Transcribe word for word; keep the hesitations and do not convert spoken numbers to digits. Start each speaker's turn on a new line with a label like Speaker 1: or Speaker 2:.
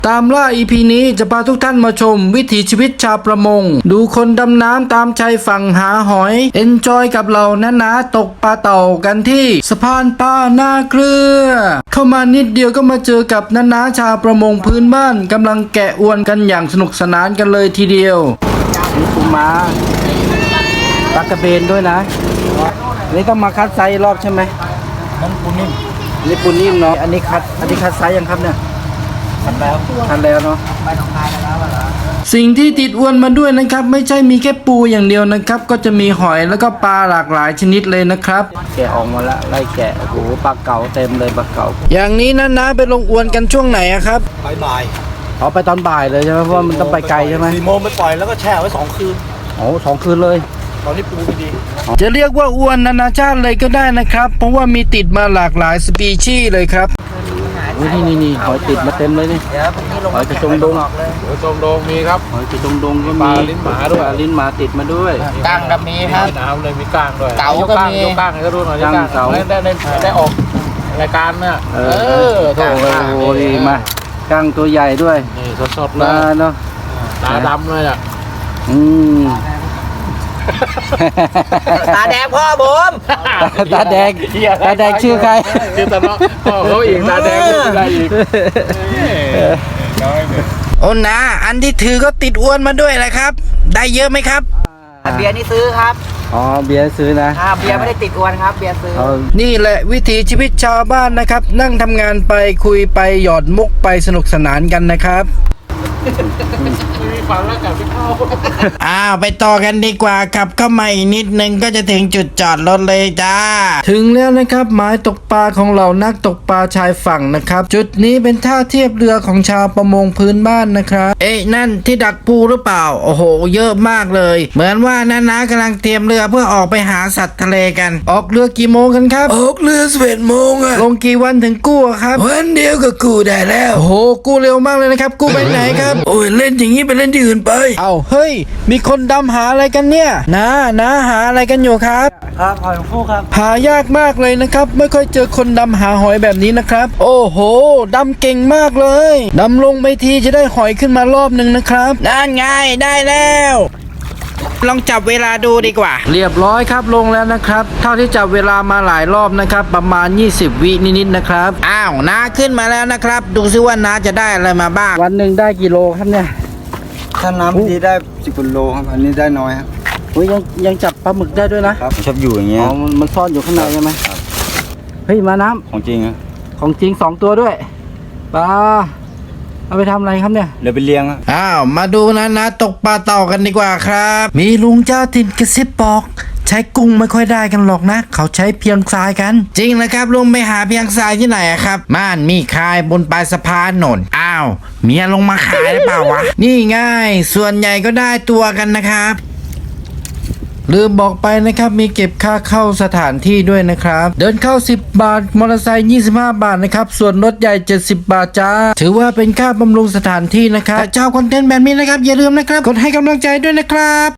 Speaker 1: ตามล่า อี พี นี้จะพาทุกท่านมาชมวิถีชีวิตชาวประมงดูคนดำน้ำตามชายฝั่งหาหอยเอนจอยกับเราน้านาตกปลาเต่ากันที่สะพานปลาหน้าเกลือเข้ามานิดเดียวก็มาเจอกับน้านาชาวประมงพื้นบ้านกำลังแกะอวนกันอย่างสนุกสนานกันเลยทีเดียวนี่ปูม้าปลากระเบนด้วยนะนี่ต้องมาคัดไซส์รอบใช่ไหมนั่นปูนิ่มนี่ปูนิ่มเนาะอันนี้คัดอันนี้คัดไซส์ยังครับเนี่ยทันแล้วทันแล้วเนาะไปหนองคายกันแล้วเหรอสิ่งที่ติดอวนมาด้วยนะครับไม่ใช่มีแค่ปูอย่างเดียวนะครับก็จะมีหอยแล้วก็ปลาหลากหลายชนิดเลยนะครับแกะออกมาแล้วไล่แกะโอ้โหปลาเก๋าเต็มเลยปลาเก๋าอย่างนี้นะนะไปลงอวนกันช่วงไหนครับ
Speaker 2: บ่าย
Speaker 1: อ๋อไปตอนบ่ายเลยใช่ไหมเพราะว่ามันต้องไปไกลใช่ไหม
Speaker 2: สี่โมงไปปล่อยแล้วก็แช่ไว้สองคืน
Speaker 1: โอ้สองคืนเลย
Speaker 2: ตอนนี้ปูไม่ดี
Speaker 1: จะเรียกว่าอวนนานาชาติเลยก็ได้นะครับเพราะว่ามีติดมาหลากหลายสปีชีส์เลยครับนี่นี่นี่หอยติดมาเต็มเลยนี่หอยกระจงดง
Speaker 2: หอยจงดงมีครับ
Speaker 1: หอยกระจงดงก็
Speaker 2: มี
Speaker 1: ปลา
Speaker 2: ลิ้นหมาด้วย
Speaker 1: ลิ้นหมาติดมาด้วย
Speaker 2: ก้างก็มีครับน้ำเลยมีก้างด้วย
Speaker 1: เก๋าก็มี
Speaker 2: ยกก้างให้ดูหน่อยก้างเก๋าได้ได้ได้ออกรายการเนี่ย
Speaker 1: เออโถ่โอ้ยมาก้างตัวใหญ่ด้วย
Speaker 2: นี่สดๆเลย
Speaker 1: เนาะ
Speaker 2: ตาดำเลยอ่ะ
Speaker 1: อืม
Speaker 3: ตาแดงพ่อผม
Speaker 1: ตาแดงตาแดงชื่อใคร
Speaker 2: ชื่อตาเนาะพ่อเขาอีกตาแดงชื่ออะไรอีก
Speaker 1: โอ้นะอันที่ถือก็ติดอ้วนมาด้วยแหละครับได้เยอะไหมครับ
Speaker 3: เบียร์นี่ซื้อครับ
Speaker 1: อ๋อเบียร์ซื้อนะ
Speaker 3: เบียร์ไม่ได้ติดอวนครับเบียร์ซื้อ
Speaker 1: นี่แหละวิถีชีวิตชาวบ้านนะครับนั่งทำงานไปคุยไปหยอดมุกไปสนุกสนานกันนะครับ
Speaker 2: มีฟังแล้วกลับไปเข้า
Speaker 1: อ้าวไปต่อกันดีกว่าขับเข้ามาอีกนิดนึงก็จะถึงจุดจอดรถเลยจ้าถึงแล้วนะครับหมายตกปลาของเรานักตกปลาชายฝั่งนะครับจุดนี้เป็นท่าเทียบเรือของชาวประมงพื้นบ้านนะครับเอ๊ะนั่นที่ดักปูหรือเปล่าโอ้โหเยอะมากเลยเหมือนว่าน้าๆกำลังเตรียมเรือเพื่อออกไปหาสัตว์ทะเลกันออกเรือกี่โมงกันครับ
Speaker 4: ออกเรือสิบเอ็ดโมงอะ
Speaker 1: ลงกี่วันถึงกู้ครับ
Speaker 4: วันเดียวก็กู้ได้แล้ว
Speaker 1: โอ้โหกู้เร็วมากเลยนะครับกู้ไปไหนครับ
Speaker 4: โอ้ยเล่นอย่างนี้ไปเล่นที่อื่นไป
Speaker 1: เอาเฮ้ยมีคนดำหาอะไรกันเนี่ยนะนะหาอะไรกันอยู่ครับ
Speaker 3: ครับหอยฟูครับ
Speaker 1: หายากมากเลยนะครับไม่ค่อยเจอคนดำหาหอยแบบนี้นะครับโอ้โหดำเก่งมากเลยดำลงไปทีจะได้หอยขึ้นมารอบหนึ่งนะครับ
Speaker 3: นั่นไงได้แล้วลองจับเวลาดูดีกว่า
Speaker 1: เรียบร้อยครับลงแล้วนะครับเท่าที่จับเวลามาหลายรอบนะครับประมาณยี่สิบวินิดๆนะครับ
Speaker 3: อ้าวน้าขึ้นมาแล้วนะครับดูซิว่าน้าจะได้อะไรมาบ้าง
Speaker 1: วันหนึ่งได้กี่โลครับเนี่ย
Speaker 4: ถ้าน้ำดีได้สิบกิโลครับอันนี้ได้น้อยครับ
Speaker 1: โอ้ยยังยังจับปลาหมึกได้ด้วยนะครับ
Speaker 4: ชอบอยู่อย่างเงี้ย
Speaker 1: อ๋อมันซ่อนอยู่ข้างในใช่ไหมเฮ้ยมาน้ำ
Speaker 4: ของจริงครับ
Speaker 1: ของจริงสองตัวด้วยปลาเอาไปทำอะไรครับเนี่ย
Speaker 4: เดี๋ยวไปเลี้ยง
Speaker 1: อ้าวมาดูนะนะตกปลาเต่ากันดีกว่าครับมีลุงเจ้าถิ่นกระซิบบอกใช้กุ้งไม่ค่อยได้กันหรอกนะเขาใช้เพียงทรายกันจริงนะครับลุงไปหาเพียงทรายที่ไหนครับม่านมีคายบนปลายสะพานหนนอ้าวเมียลงมาขายหรือเปล่าวะนี่ง่ายส่วนใหญ่ก็ได้ตัวกันนะครับลืมบอกไปนะครับมีเก็บค่าเข้าสถานที่ด้วยนะครับเดินเข้าสิบบาทมอเตอร์ไซค์ยี่สิบห้าบาทนะครับส่วนรถใหญ่เจ็ดสิบบาทจ้าถือว่าเป็นค่าบำรุงสถานที่นะครับแต่เจ้าคอนเทนต์แบบนี้นะครับอย่าลืมนะครับกดให้กำลังใจด้วยนะครับ